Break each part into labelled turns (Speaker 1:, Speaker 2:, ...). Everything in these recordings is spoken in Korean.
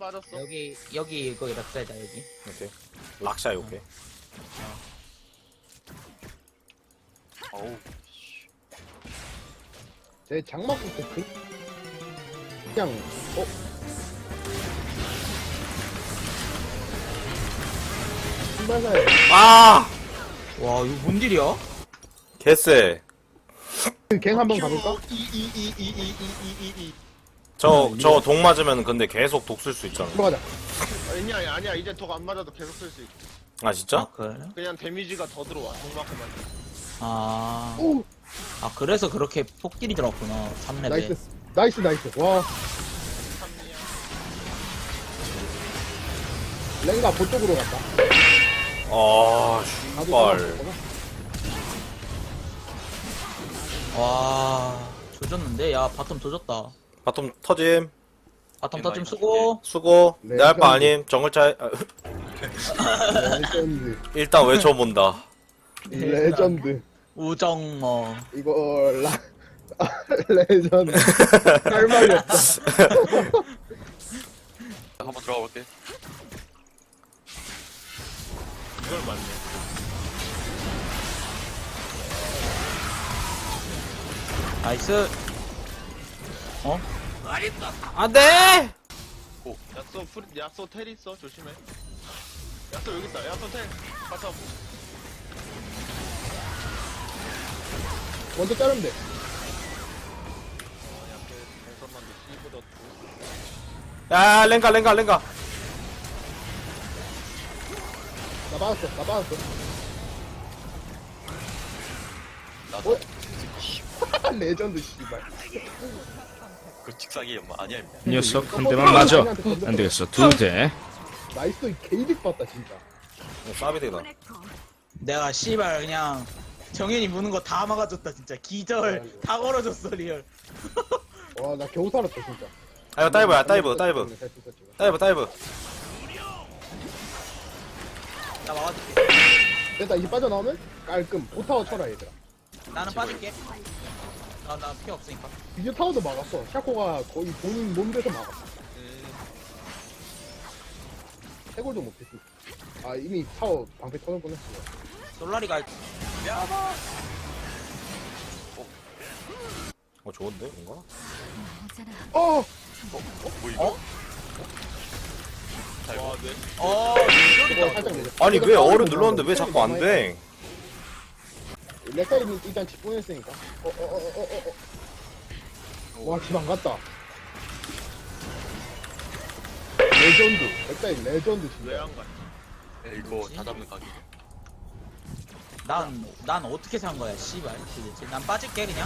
Speaker 1: 빠졌어.
Speaker 2: 여기 거기 락사이다 여기.
Speaker 3: 오케이. 락샤 오케이.
Speaker 1: 어우.
Speaker 4: 제 장막부터 그냥 신발사에
Speaker 3: 아!
Speaker 2: 와 이거 뭔 일이야?
Speaker 3: 개쎄.
Speaker 4: 갱 한번 가볼까?
Speaker 3: 저 독 맞으면 근데 계속 독 쓸 수 있잖아.
Speaker 4: 들어가자.
Speaker 1: 아니야. 이제 독 안 맞아도 계속 쓸 수 있어.
Speaker 3: 아 진짜?
Speaker 2: 그래?
Speaker 1: 그냥 데미지가 더 들어와. 독 맞고만.
Speaker 2: 아,
Speaker 4: 오
Speaker 2: 아 그래서 그렇게 폭딜이 들어왔구나. 3레벨.
Speaker 4: 나이스. 와 랭가 보쪽으로 갔다.
Speaker 3: 아,
Speaker 4: 나도
Speaker 3: 슈발.
Speaker 4: 따라갔구나.
Speaker 2: 와 조졌는데? 야 바텀 조졌다.
Speaker 3: 바텀 터짐.
Speaker 2: 바텀 터짐 수고.
Speaker 3: 수고.
Speaker 4: 네,
Speaker 3: 내 할 바 아님. 정글차
Speaker 4: 레전드.
Speaker 3: 일단 외쳐본다.
Speaker 4: 레전드.
Speaker 2: 우정어.
Speaker 4: 이거 레전드. 할 말이 없다.
Speaker 1: 한번 들어가 볼게. 이걸 맞네.
Speaker 2: 나이스. 어?
Speaker 3: 안돼.
Speaker 1: 오. 야쏘 텔 있어. 조심해. 야쏘 여기 있다. 야쏘 텔. 가서.
Speaker 4: 먼저 자르면 돼.
Speaker 1: 옆에 대선만도 씹어뒀고.
Speaker 3: 야 랭가.
Speaker 4: 나 받았어.
Speaker 1: 나도.
Speaker 4: 레전드 씨발.
Speaker 1: 그 직사기 엄마 아니야.
Speaker 5: 녀석 한 대만 맞아. 안 되겠어. 2대.
Speaker 4: 나이스 게이득 봤다 진짜.
Speaker 3: 싸비대다.
Speaker 2: 내가 씨발 그냥 정현이 무는 거 다 막아줬다 진짜. 기절 다 걸어줬어 리얼.
Speaker 4: 와 나 겨우 살았다 진짜.
Speaker 3: 아 이거 다이브야 다이브. 다이브.
Speaker 2: 나 막아줄게.
Speaker 4: 됐다 이제 빠져나오면 깔끔. 보타워 쳐라 얘들아.
Speaker 2: 나는 빠질게. 나 피 없으니까.
Speaker 4: 비디오 타워도 막았어. 샤코가 거의 본인 몸대서 막았어. 해골도 못했지. 아 이미 타워 방패 터널 뻔했어.
Speaker 2: 솔라리가
Speaker 3: 좋은데 뭔가?
Speaker 4: 어!
Speaker 1: 와, 네.
Speaker 4: 이거 살짝 내려.
Speaker 3: 아니 왜 어를 눌렀는데 왜 자꾸 안 돼?
Speaker 4: 렉사이는 일단 집 보냈으니까. 와, 집 안 갔다. 레전드. 렉사이 레전드 진짜.
Speaker 1: 왜안 가? 이거 다 잡는 각이.
Speaker 2: 난 어떻게 산 거야 씨발 도대체. 난 빠질게 그냥.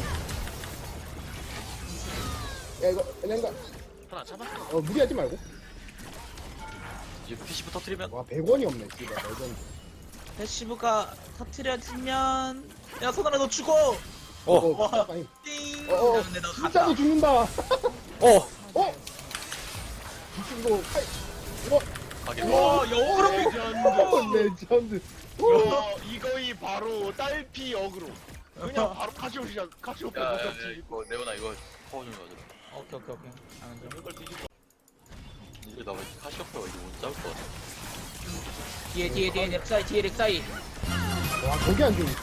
Speaker 4: 야, 이거, 랭가.
Speaker 1: 하나 잡아.
Speaker 4: 무리하지 말고.
Speaker 1: 이제 PC부 터트리면.
Speaker 4: 와, 100원이 없네, 씨발. 레전드.
Speaker 2: 패시브가 터트려지면 야 손아라 너 죽어.
Speaker 4: 와, 아니.
Speaker 2: 띵. 근데 너
Speaker 4: 진짜로
Speaker 2: 갔다.
Speaker 4: 죽는다.
Speaker 3: 어.
Speaker 4: 이거, 이거.
Speaker 1: 가게.
Speaker 2: 와 영어로
Speaker 4: 레전드.
Speaker 1: 이거이 바로 딸피 역으로. 그냥 바로 카시오페 못 잡지.
Speaker 6: 이거 네오나 이거 파워 좀 가져라.
Speaker 2: 오케이. 하는 중.
Speaker 1: 이걸 뒤집어.
Speaker 6: 이제 나 카시오페가 이거 못 잡을 것 같아.
Speaker 2: 뒤에 렉사이.
Speaker 4: 와, 저기 안 죽네.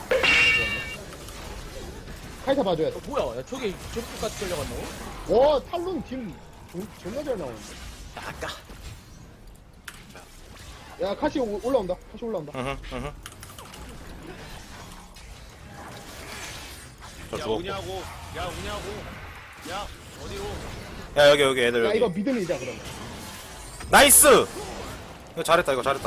Speaker 4: 카이사 봐줘야 돼.
Speaker 2: 뭐야? 야 저기 저기까지 끌려갔노?
Speaker 4: 와, 탈론 팀 존나 잘 나오는데.
Speaker 6: 아까
Speaker 4: 야, 카시 올라온다.
Speaker 3: 으흠. 저
Speaker 1: 야
Speaker 3: 죽었고.
Speaker 1: 우냐고. 야 어디로?
Speaker 3: 야 여기 애들
Speaker 4: 야,
Speaker 3: 여기.
Speaker 4: 이거 믿음이자, 그러면.
Speaker 3: 나이스. 이거 잘했다.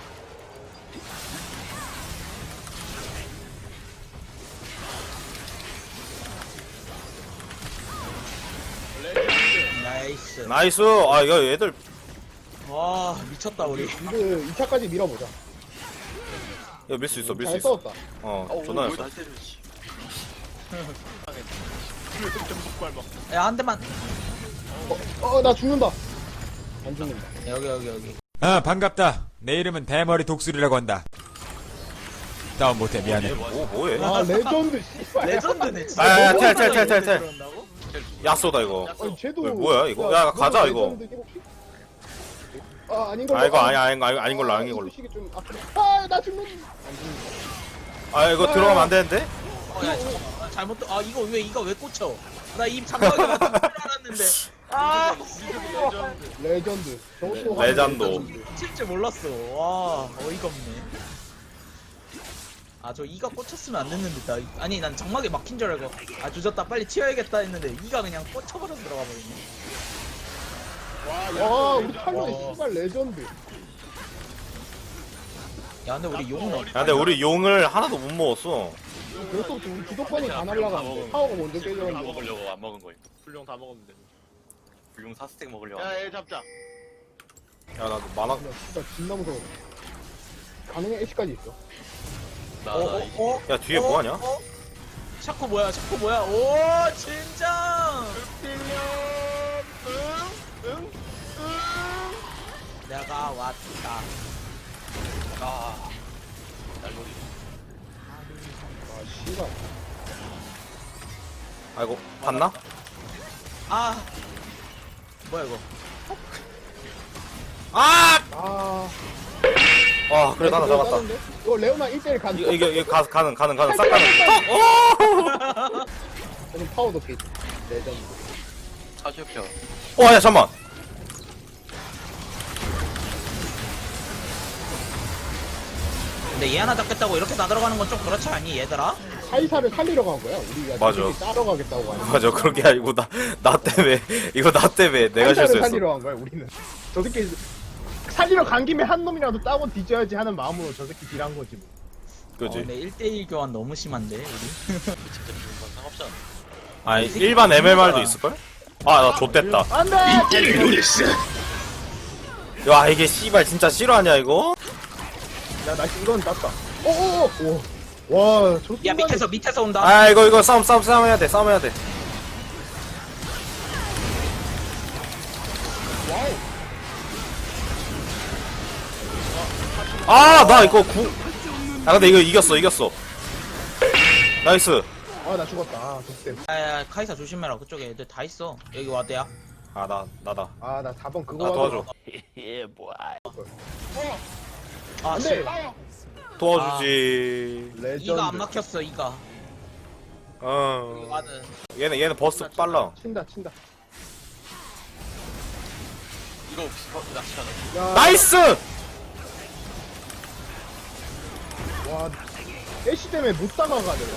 Speaker 2: 나이스.
Speaker 3: 나이스. 아 이거 애들
Speaker 2: 와 미쳤다 우리.
Speaker 4: 미드 2차까지 밀어보자.
Speaker 3: 이거 밀 수 있어.
Speaker 4: 잘 싸웠다.
Speaker 3: 존나
Speaker 6: 왜
Speaker 3: 잘했어.
Speaker 6: 날 때려 씨.
Speaker 2: 야 한 대만.
Speaker 4: 나 죽는다. 안 죽는다.
Speaker 2: 여기.
Speaker 7: 아 반갑다. 내 이름은 대머리 독수리라고 한다. 다운 못해 미안해.
Speaker 3: 뭐해?
Speaker 4: 아, 레전드, 씨발.
Speaker 2: 레전드네 진짜.
Speaker 3: 아, 텔.
Speaker 2: 그런다고?
Speaker 3: 야쏘다 이거.
Speaker 4: 아니, 쟤도.
Speaker 3: 뭐야, 이거? 야, 가자, 이거.
Speaker 4: 레전드 혹시? 아 아닌 걸로.
Speaker 3: 아 이거 아닌 걸로 아닌 걸로.
Speaker 4: 시기 좀 아나 죽는.
Speaker 3: 아 이거 들어가면 안 되는데?
Speaker 2: 야 잠깐만 잘못 이거 왜 꽂혀? 나 입 장막에 맞춘 줄 알았는데 아
Speaker 4: 레전드. 저것도
Speaker 3: 레전드.
Speaker 2: 꽂힐 줄 몰랐어. 와 어이가 없네. 저 이가 꽂혔으면 안 됐는데 아니 난 장막에 막힌 줄 알고 조졌다 빨리 튀어야겠다 했는데 이가 그냥 꽂혀버려서 들어가 버리네.
Speaker 4: 와 우리 탈론이 씨발 레전드.
Speaker 2: 야 근데 우리 용은
Speaker 3: 야 근데 우리 용을 하나도 못 먹었어.
Speaker 4: 그래서부터 우리 주도권이 다 날라가는데 파워가 먼저
Speaker 6: 다
Speaker 4: 깨졌는데.
Speaker 6: 먹으려고 안 먹은 거임.
Speaker 1: 불룡 다 먹으면 돼.
Speaker 6: 불용 4스택 먹으려고.
Speaker 1: 야얘 잡자.
Speaker 3: 야 나 만화.
Speaker 4: 야, 진짜 진나 무서워. 가능해 애쉬까지 있어.
Speaker 3: 야 뒤에 뭐 하냐?
Speaker 2: 샤코 뭐야 오 진정
Speaker 1: 응?
Speaker 2: 내가 왔다.
Speaker 6: 날놀이.
Speaker 4: 아 씨발.
Speaker 3: 아이고 봤나?
Speaker 2: 뭐야 이거
Speaker 4: 아.
Speaker 3: 와 그래 하나 잡았다.
Speaker 4: 따는데? 이거 레오나 1대1 간.
Speaker 3: 이게 가는 싹 가는.
Speaker 4: 저는 파워도 게 레전드.
Speaker 6: 차시오페어.
Speaker 3: 야 잠만.
Speaker 2: 근데 얘 하나 잡겠다고 이렇게 나들어가는 건 좀 그렇지 않니 얘들아?
Speaker 4: 사이사를 살리러 간 거야. 우리가
Speaker 3: 맞아.
Speaker 4: 저렇게 따러 가겠다고 하는.
Speaker 3: 맞아 그런 게 아니고 나 때문에 이거 나 때문에 내가
Speaker 4: 사이사를
Speaker 3: 실수했어.
Speaker 4: 살리러 간 거야. 우리는. 저 새끼 살리러 간 김에 한 놈이라도 따고 뒤져야지 하는 마음으로 저 새끼 딜한 거지 뭐.
Speaker 3: 그지?
Speaker 2: 근데 1대1 교환 너무 심한데 우리?
Speaker 6: 진짜 죽는 건 상관없지 않아.
Speaker 3: 아니 일반 MMR도 있을걸? 나 좆됐다.
Speaker 4: 안돼.
Speaker 3: 야 이게 씨발 진짜 싫어하냐 이거?
Speaker 4: 야나 이건 땄다. 오오오. 와, 저
Speaker 2: 야
Speaker 4: 순간에
Speaker 2: 밑에서 온다.
Speaker 3: 아 이거 싸움 해야 돼. 나 이거 근데 이거 이겼어. 나이스.
Speaker 4: 나 죽었다. 족대.
Speaker 2: 야 카이사 조심해라 그쪽에 애들 다 있어. 여기 와대야.
Speaker 3: 나다.
Speaker 4: 나 4번 그거
Speaker 3: 도와줘.
Speaker 4: 안돼.
Speaker 2: 씨.
Speaker 3: 도와주지.
Speaker 4: 레전드.
Speaker 2: 이가 안 막혔어 이가. 와드.
Speaker 3: 얘는 버스 빨라.
Speaker 4: 친다.
Speaker 6: 이거 낚시 하나.
Speaker 4: 야,
Speaker 3: 나이스.
Speaker 4: 와, 애쉬 때문에 못 다가가 내가.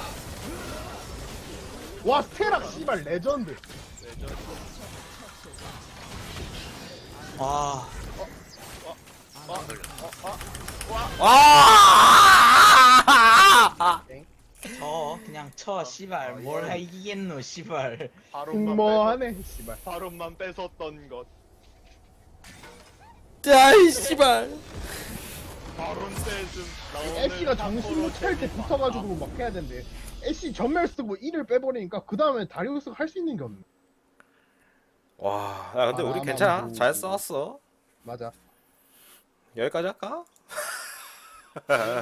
Speaker 4: 와, 스테락 씨발 레전드.
Speaker 2: 와. 그냥 쳐 씨발 뭘 하이겠노 씨발.
Speaker 4: 뭐하네 씨발.
Speaker 1: 바론만 뺏었던 것.
Speaker 3: 야이 씨발.
Speaker 1: 바론 뺏음.
Speaker 4: 애쉬가 정신 못 차릴 때 붙어가지고 막 해야 된대. 애쉬 전멸 쓰고 1을 빼버리니까 그 다음에 다리우스가 할 수 있는 게 없네.
Speaker 3: 와, 야 근데 우리 괜찮아. 잘 싸웠어.
Speaker 4: 맞아.
Speaker 3: 여기까지 할까?